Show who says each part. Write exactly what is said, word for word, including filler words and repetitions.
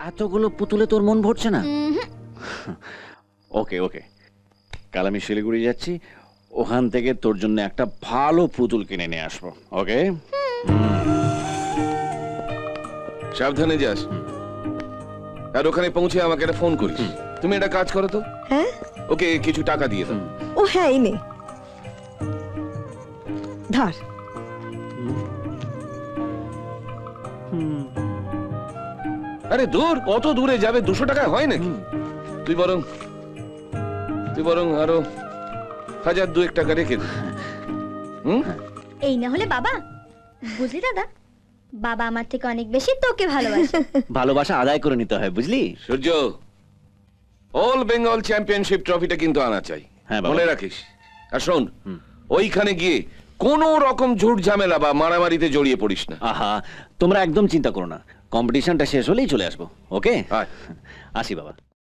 Speaker 1: এতগুলো পুতুলে তোর মন ভরছে না? ওকে ওকে, কাল আমি শিলিগুড়ি যাচ্ছি, ওখান থেকে তোর জন্য একটা ভালো পুতুল কিনে নিয়ে আসবো। ওকে,
Speaker 2: সাবধানে যাস, আর ওখানে পৌঁছে আমাকে একটা ফোন করিস। তুমি একটা কাজ করো তো,
Speaker 3: হ্যাঁ
Speaker 2: ওকে কিছু টাকা দিয়ে দাও।
Speaker 3: ও হ্যাঁ এই নে ধর।
Speaker 2: আরে দূর, কত দূরে যাবে? দুশো টাকায় হয় নাকি? তুই বরং তুই বরং আরো হাজার দুয়েক টাকা রেখে দে। হুম,
Speaker 4: এই না হলে বাবা, বুঝলি দাদা, বাবা আমার থেকে অনেক বেশি তোকে ভালোবাসে।
Speaker 1: ভালোবাসা আদায় করে নিতে হয়, বুঝলি?
Speaker 2: সূর্য, অল বেঙ্গল চ্যাম্পিয়নশিপ ট্রফিটা কিন্তু আনা চাই,
Speaker 1: হ্যাঁ বাবা।
Speaker 2: মনে রাখিস। আর শোন, ওইখানে গিয়ে কোন রকম ঝুট ঝামেলা বা মারামারিতে জড়িয়ে পড়িস না।
Speaker 1: আহা, তোমরা একদম চিন্তা করো না, কম্পিটিশনটা শেষ হলেই চলে আসবো। ওকে,
Speaker 2: আয়।
Speaker 1: আসি বাবা।